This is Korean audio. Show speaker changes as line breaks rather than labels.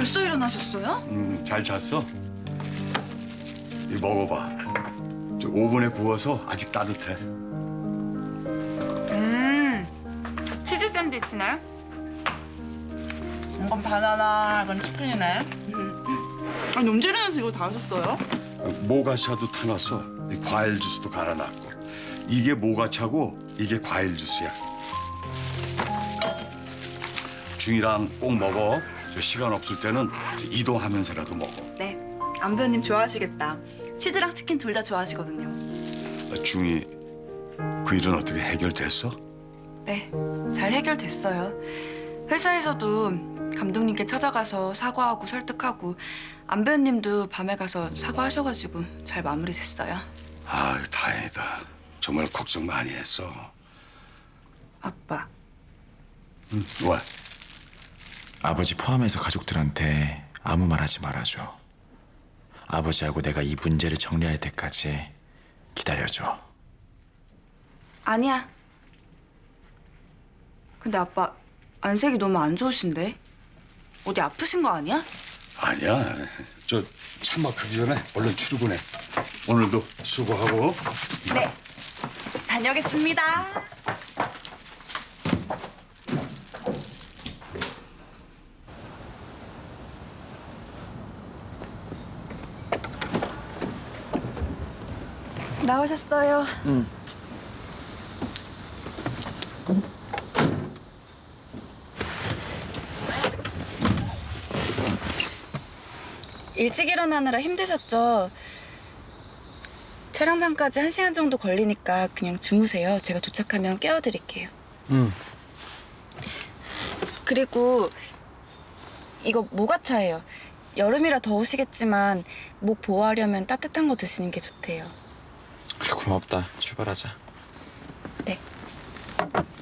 벌써 일어나셨어요?
잘 잤어? 이 먹어봐. 저 오븐에 구워서 아직 따뜻해.
치즈 샌드위치네. 이건 바나나, 이건 치킨이네. 아니 언제 일어나서 이거 다 하셨어요?
모가차도 타놨어. 이 과일 주스도 갈아놨고. 이게 모가차고 이게 과일 주스야. 중이랑 꼭 먹어. 저 시간 없을 때는 이동하면서라도 먹어.
네, 안배우님 좋아하시겠다. 치즈랑 치킨 둘 다 좋아하시거든요.
중이 그 일은 어떻게 해결됐어?
네, 잘 해결됐어요. 회사에서도 감독님께 찾아가서 사과하고 설득하고 안배우님도 밤에 가서 사과하셔가지고 잘 마무리됐어요.
아, 다행이다. 정말 걱정 많이 했어.
아빠,
왜?
아버지 포함해서 가족들한테 아무 말 하지 말아줘. 아버지하고 내가 이 문제를 정리할 때까지 기다려줘.
아니야. 근데 아빠 안색이 너무 안 좋으신데? 어디 아프신 거 아니야?
아니야. 저 참막하기 전에 얼른 출근해. 오늘도 수고하고.
네, 다녀오겠습니다. 나오셨어요. 일찍 일어나느라 힘드셨죠? 촬영장까지 1시간 정도 걸리니까 그냥 주무세요. 제가 도착하면 깨워드릴게요. 그리고 이거 모가차예요. 여름이라 더우시겠지만 목 보호하려면 따뜻한 거 드시는 게 좋대요.
그래, 고맙다. 출발하자.
네.